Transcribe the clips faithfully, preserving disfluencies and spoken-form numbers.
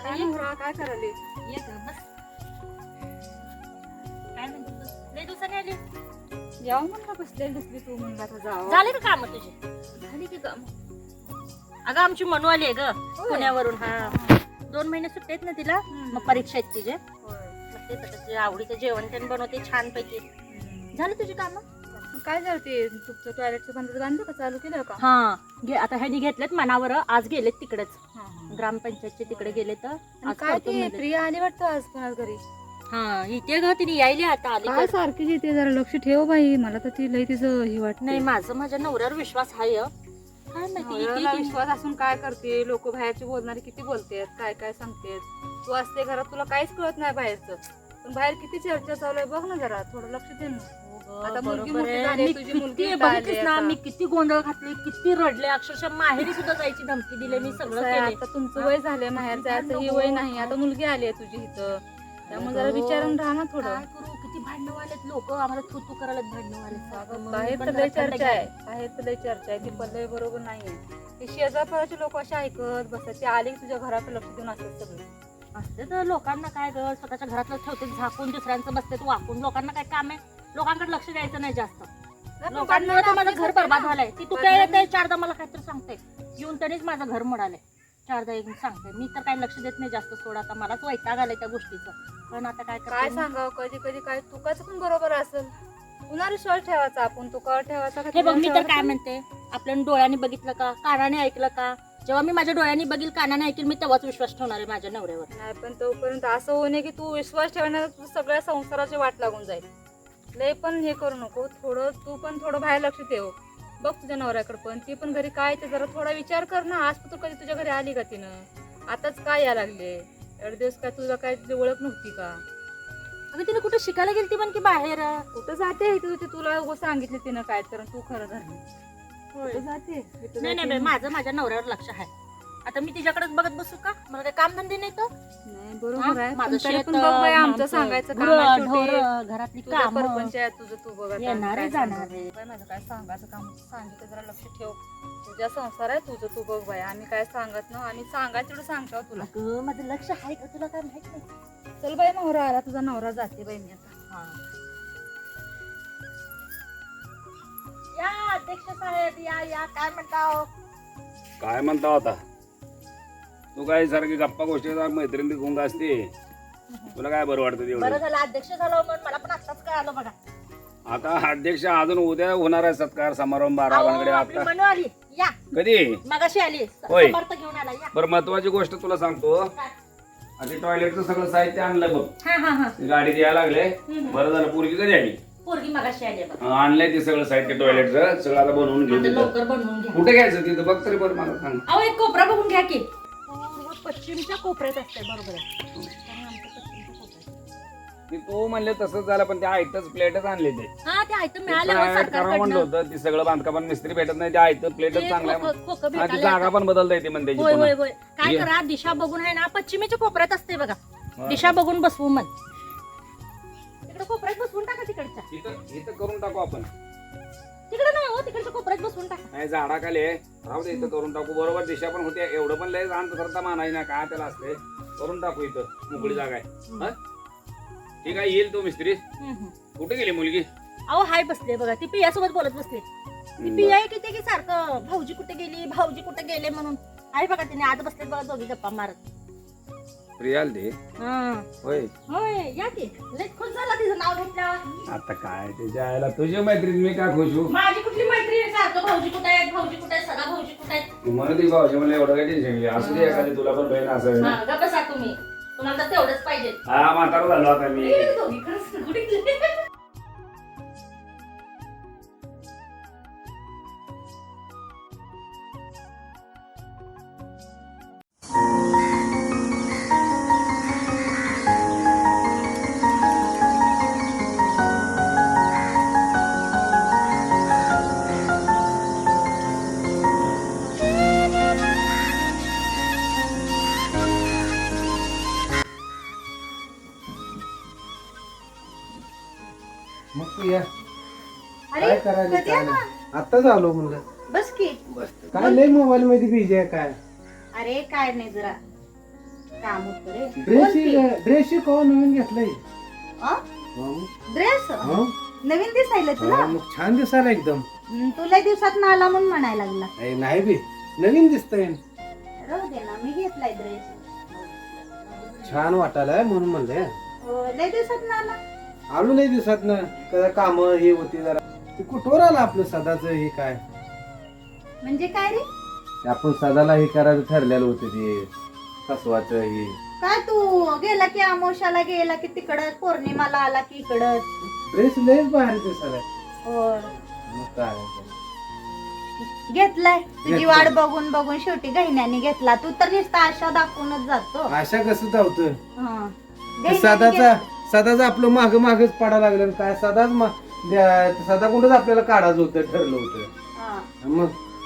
काय करायली? ये ग बस. काय म्हणते बस? लय दिवसांनी आली. जाऊ म्हणलं बसलेली दिसली तू म्हणला आता जावं. झाले का काम तुझे? झाली की काम. अगं आमची मनू आली आहे ग होय. पुण्यावरून. हा दोन महिने सुट्टी आहेत ना तिला. हम्म. मग परीक्षा आहेत तिचे. होय. मग ते आता तुझ्या आवडीचं जेवण त्यांनी बनवते छान पैकी. हम्म. झाली तुझी कामं? मग काय झालं ते तुमचं टॉयलेटचं बंद बांधलं का चालू केलं का? हा घे आता ह्यानी घेतलेत मनावर. आज गेलेत तिकडेच हा, हा. ग्रामपंचायतचे तिकडे गेले तर आणि आज काय करतो ती म्हणले. प्रिया आली वाटतं आज पण आज घरी. हा इथे ग तिने यायली आता आली काय तर. सारखीच येते जरा लक्ष ठेव बाई मला तर ती लई तिचं हे वाटत नाही माझं माझ्या नवऱ्यावर विश्वास आहे हं. काय माहिती इथे- इथे- विश्वास असून काय करते लोक बाहेरचे बोलणारे किती बोलतात काय काय सांगतात तू असते घरात तुला काहीच कळत नाही बाहेरचं पण बाहेर किती चर्चा चालू आहे बघ ना जरा थोडं लक्ष दे ना. आता मुलगी बरोबर मोठी आहे. झाली, मी तुझी मुलगी किती इथं आली बघितलीस ना आता. मी किती गोंधळ घातले किती रडले अक्षरशः माहेरी सुद्धा जायची धमकी दिली मी सगळं कसं आहे, केले. आता तुमचं वय झालंय बाहेर जायचं ही वय नाही आता मुलगी आली आहे तुझी इथं त्यामुळे जरा विचारून राहा ना थोडं. काय करू किती भांडण वालेत लोक आम्हाला थू थू करायला भांडण वाले. बाहेर तर लय चर्चा आहे बाहेर तर लय चर्चा आहे ती पल्लवी बरोबर नाहीये ते शेजारपाराचे लोक असे ऐकत बसतात ते आले की तुझ्या घरात लक्ष देऊन असतात सगळे. असते तर लोकांना काय ग स्वतःच्या घरातलं ठेवते झाकून दुसऱ्यांचं बसते वाकून. लोकांना काय काम आहे लोकांकडे लक्ष द्यायचं नाही जास्त. लोकांमुळे तर माझं घर बरबाद झालंय. ती तू काय येते चारदा मला काहीतरी सांगते येऊन तरीच माझं घर मोडालंय. चारदा येऊन सांगते मी तर काही लक्ष देत नाही जास्त. सोड आता मलाच वैताग आलाय त्या गोष्टीचं. पण आता काय काय सांगावं कधी कधी काय चुकाचं पण बरोबर असेल कुणाला विश्वास ठेवायचा आपण तू कळ ठेवायचा का हे बघ मी तर ठेवायचा? काय म्हणते आपल्या डोळ्यांनी बघितलं का कानाने ऐकलं का. जेव्हा मी माझ्या डोळ्यांनी बघील कानाने ऐकेल मी तेव्हाच विश्वास ठेवणार आहे माझ्या नवऱ्यावर. नाही पण तोपर्यंत असं होऊ नये की तू विश्वास ठेवण्यात तू सगळ्या संसाराची वाट लागून जाईल. लय पण हे करू नको थोडं तू पण थोडं बाहेर लक्ष ठेव. बघ तुझ्या नवऱ्याकडे पण ती पण घरी काय ते जरा थोडा विचार कर ना. आज तू कधी तुझ्या घरी आली का तिनं आताच काय या लागले एवढे दिवस काय तुझा काय तुझी ओळख नव्हती का? अगं तिने कुठे शिकायला गेली पण की बाहेर. कुठं जाते तू ते तुला उगाच सांगितलं तिनं काय तर तू खरं झालं कुठं जाते इथं नाही नाही जाते. बाई, माझं माझ्या नवऱ्यावर लक्ष आहे. आता मी तिच्याकडेच बघत बसू का मला काही काम धंदे नाही तर. नाही बरोबर आहे माझं पण तरी शेत, पण बघ बाई आमचं आमचं सांगायचं काम गुरं, आहे शेवटी. ढोरं, घरातली तुझं काम परपंच आहे तुझं तू बघ आता येणार काय आहे, जाणार सांगू? आहे. बाई, माझं काय सांगायचं काम सांगितलं जरा लक्ष ठेव. तुझा संसार आहे तुझं तू बघ बाई आम्ही काय सांगत ना आम्ही सांगायचं तेवढं सांगतो तुला. अगं माझं लक्ष आहे का तुला काय माहित नाही. चल बाई नवरा आला तुझा नवरा जाते बाई मी आता. हा. या अध्यक्ष साहेब या या काय म्हणताव. काय म्हणता होता तू काय सारखी गप्पा गोष्टी मैत्रिणी गुंग असते तुला काय बरं वाटतं बरं तेवढं. झालं अध्यक्ष झालं म्हणून मला पण आत्ताच कळालं बघा. आता अध्यक्ष अजून उद्या होणार आहे सत्कार समारंभ अहो, बारावांकडे आपली आता मनू आली या कधी मगाशी आली होय. समर्थ घेऊन आला या. बरं महत्वाची गोष्ट तुला सांगतो आता टॉयलेटचं सगळं साहित्य आणलं बघ हा हा हा गाडीत यायला लागले हम्म. बरं झालं पोरगी कधी आली पोरगी मगाशी आली बघा. हं, आणलंय ते सगळं साहित्य टॉयलेटचं सगळं आता बनवून घेऊन आता तिथं. लवकर बनवून घ्या. कुठे घ्यायचं तिथं बघ तरी बरं मला सांग. अहो एक कोपरा बघून घ्या की पूर्व पश्चिमच्या कोपऱ्यात असते बरोबर आहे. कारण आमचं पश्चिमच्या कोपऱ्यात. ते तू म्हणले तसंच झालं पण ते आयतच प्लेटच आणले ते हा ते आयतं ते मिळालं हो private करावं म्हणलं सरकारकडनं. होतं ती सगळं बांधकाम मिस्त्री भेटत नाही ते आयतं प्लेटच ते चांगलं आहे खोकं- खोकं आणि ती भेटायला जागा येतात. पण बदलता येते म्हणते होय होय होय काय ये. करा दिशा बघून आहे ना पश्चिमेच्या कोपऱ्यात असते बघा. दिशा बघून बसवू मन तिकडे कोपऱ्यात बसवून टाका तिकडच्या. इथं इथं करून टाकू आपण तिकडे नाही हो तिकडच्या कोपऱ्यात बसवून टाका. नाही झाडाखाली आहे. राहू दे इथं करून टाकू बरोबर दिशा पण होते एवढं पण लय जाण सरता मानाय ना काय त्याला असते करून टाकू इथं मोकळी जागा आहे हं? ठीक आहे येईल तो मिस्त्री हम्म, हम्म. कुठे गेली मुलगी अहो हाय बसले बघा ती पिया सोबत बोलत बसले. ती पिया आहे किती की सारखं भाऊजी कुठे गेली भाऊजी कुठे गेले म्हणून आहे बघा तिने आज बसले बघा दोघी गप्पा मारत. प्रियाल दे हा. होय होय या की लय खुश झाला तिचं नाव घेतल्यावर. आता काय ते जायला तुझी मैत्रीण मी काय खुश होऊ माझी कुठली मैत्री आहे सारखं भाऊजी कुठे आहेत भाऊजी कुठे आहेत सगळा भाऊजी कुठे आहेत. तुम्हाला ती भावशी मला एवढं काही टेन्शन घे असू दे एखादी तुला पण बहीण असेल हा गप्प बसा तुम्ही तुम्हाला तर तेवढंच पाहिजे. हा म्हातारा झालो आता मी गेले दोघी खरंच कुठे गेले? मग तू या अरे काय करायला कधी काय आला? नाही. आत्ताच आलो म्हणलं बस की काय लय मोबाईल मध्ये बिझी आहे काय अरे काय नाही जरा काम होतं रे. ड्रेस ड्रेस कवा नवीन घेतलाय अ? हो. ड्रेस हो. नवीन दिसायला तुला हो, मग छान दिसायला एकदम. हम्म, तुला दिवसात ना आला म्हणून म्हणायला लागला. ए, नाही बी नवीन दिसतंय राहू दे ना, मी घेतलाय ड्रेस. छान वाटायलाय म्हणून म्हणले. हो, लय दिवसात ना आला. आलो नाही दिसत ना कदा काम हे होती जरा ते कुठवर आलं आपलं सदाच हे काय म्हणजे काय रे? ते आपण सदाला हे करायचं ठरलेलं होतं ते फसवाचं हे. काय तू गेला की आमोशाला गेला की तिकडं, पौर्णिमाला आला की इकडं. ड्रेस लयच बाहेर दिसायला. हो. मग काय घेतलाय तुझी घेतलाय. वाट बघून बघून शेवटी गहिन्याने घेतला. तू तर नुसता आशा दाखवूनच जातो. आशा कसं धावतं हं. ते गहिन्याने सदाचा घेतला. सदाच आपलं माग मागच पडा लागलं काय सदाच मा- द्या- सदा कुठंच आपल्याला काढायचं होतं ठरलं होतं. हं. मग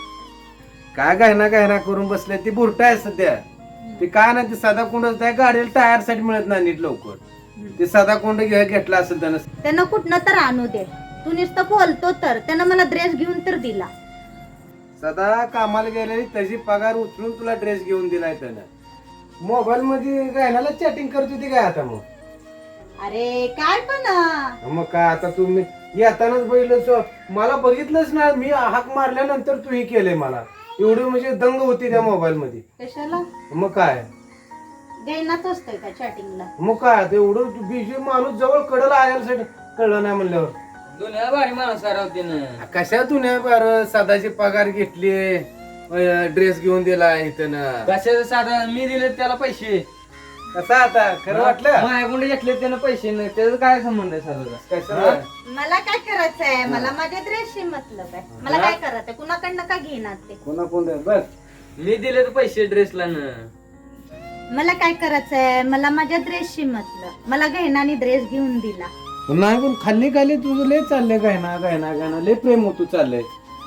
काय गायना गायना करून बसले ती बुरटा आहे सध्या. ते काय ना ते सदा कुंडच त्या गाडीला टायर साठी मिळत नाही नीट लवकर. ते सदा कुंड घे घेतला असेल त्यानं. त्यानं कुठनं तर आणू दे. तू नुसतं बोलतो तर त्यानं मला ड्रेस घेऊन तर दिला. सदा कामाला गेलेली त्याची पगार उचलून तुला ड्रेस घेऊन दिलाय त्यानं. मोबाईल मध्ये गायनाला चॅटिंग करत होती काय आता मग. अरे काय पण अं, मग काय आता तुम्ही येतानाच बघितलं मला बघितलंच ना मी हाक मारल्यानंतर तू हे केलंय मला एवढी म्हणजे दंग होती त्या मोबाईल मध्ये. कशाला मग काय गैनाच असतोय का चॅटिंगला? मग काय आता एवढं बिजी माणूस जवळ कडला आल्यासाठी कळलं नाही म्हणल्यावर. दुनिया भारी माणूस राहते ना. कशातून आहे बरं सदाची पगार घेतली ड्रेस घेऊन दिला इथं ना. कशाचं साधा मी दिले त्याला पैसे. कसा आता खरं वाटलं माझ्याकडे घेतले त्यानं पैसे नाही त्याचा काय संबंध आहे साधाचा? कशाला मला काय करायचंय? मला माझ्या ड्रेसशी मतलब आहे. मला काय करायचंय? कुणाकडनं का घेणार ते? कोणा कोण बस मी दिले तर पैसे ड्रेसला ना. मला काय करायचंय? मला माझ्या ड्रेसशी मतलब. मला गहिनाने ड्रेस घेऊन दिला. नाही पण खाल्ली खाली तुझं लय चाललंय काय ना काय ना काय ना लय प्रेम होतो चाललंय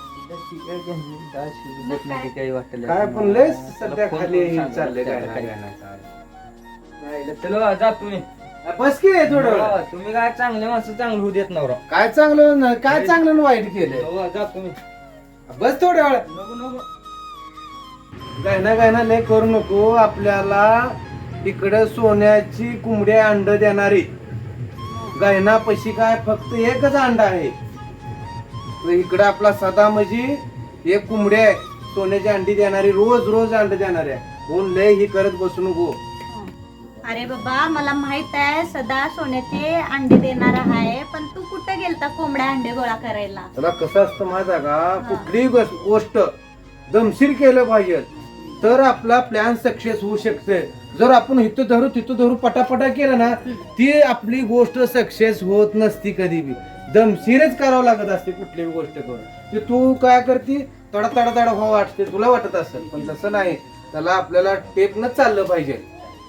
काही वाटलं काय पण लय सध्या खाली चाललंय काय ना काय ना काय. चलो जा तुम्ही. बस की थोडं वेळ. हो, तुम्ही काय चांगले माणसं चांगलं होऊ देत नवरा. काय चांगलं ना काय चांगलं ना वाईट केलंय. हो, जा तुम्ही. बस थोड्या वेळ नको नको. गायना गायना लय करू नको. आपल्याला इकडं सोन्याची कोंबडी अंड देणारी गायना पशी काय फक्त एकच अंडा आहे. तर इकडं आपला सदा म्हणजे एक कोंबडी आहे सोन्याची अंडी देणारी रोज रोज अंड देणारी आहे. म्हणून लय ही करत बसू नको. अरे बाबा मला माहित आहे सदा सोन्याचे अंडे देणार आहे. पण तू कुठे गेलता कोंबड्या अंडे गोळा करायला? त्याला कसं असतं माहिती आहे का कुठलीही गोष्ट गोष्ट दमशीर केलं पाहिजे तर आपला प्लॅन सक्सेस होऊ शकते. जर आपण इथं धरू तिथं धरू पटापटा केलं ना ती आपली गोष्ट सक्सेस होत नसती. कधी बी दमशीरच करावं लागत असते कुठलीही गोष्ट करून. ते तू काय करते तडा तडा तडा व्हावं वाटते तुला वाटत असेल पण तसं नाही. त्याला आपल्याला टेपनच चाललं पाहिजे.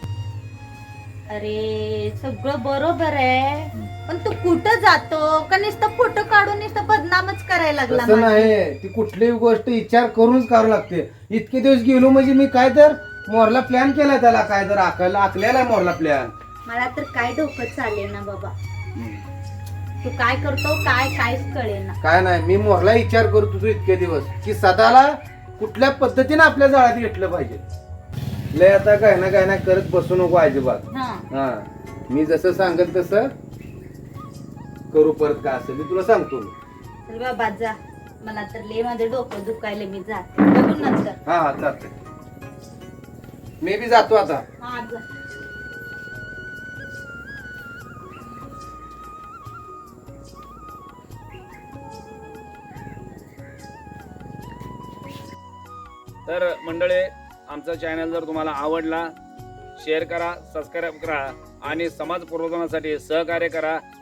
अरे सगळं बरोबर आहे पण तू कुठं जातो का नुसतं फोटो काढून नुसतं बदनामच करायला लागला तसं माझी? नाही ती कुठलीही गोष्ट विचार करूनच करावं लागते. इतके दिवस गेलो म्हणजे मी काय तर मोरला प्लॅन केला त्याला काय तर आकायला आखलेला मोरला प्लॅन. मला तर काय डोकं चालेल ना बाबा. तू काय करतो काय काहीच कळेना. काय नाही मी मोरला विचार करत होतो इतके दिवस की सदाला कुठल्या पद्धतीने आपल्या जाळ्यात घेतलं पाहिजे. लय आता काय ना काय ना करत बसू नको अजिबात. हा हा मी जसं सांगत तसं करू. परत काय असेल मी तुला सांगतो. तर बाबा जा. मला तर लय माझं डोकं दुखायला. मी जाते बघू नंतर. हा हा चालतंय मी बी जातो आता. हा जा. तर मंडळी आमचा चॅनल जर तुम्हाला आवडला शेअर करा सबस्क्राईब करा आणि समाज प्रबोधनासाठी सहकार्य करा.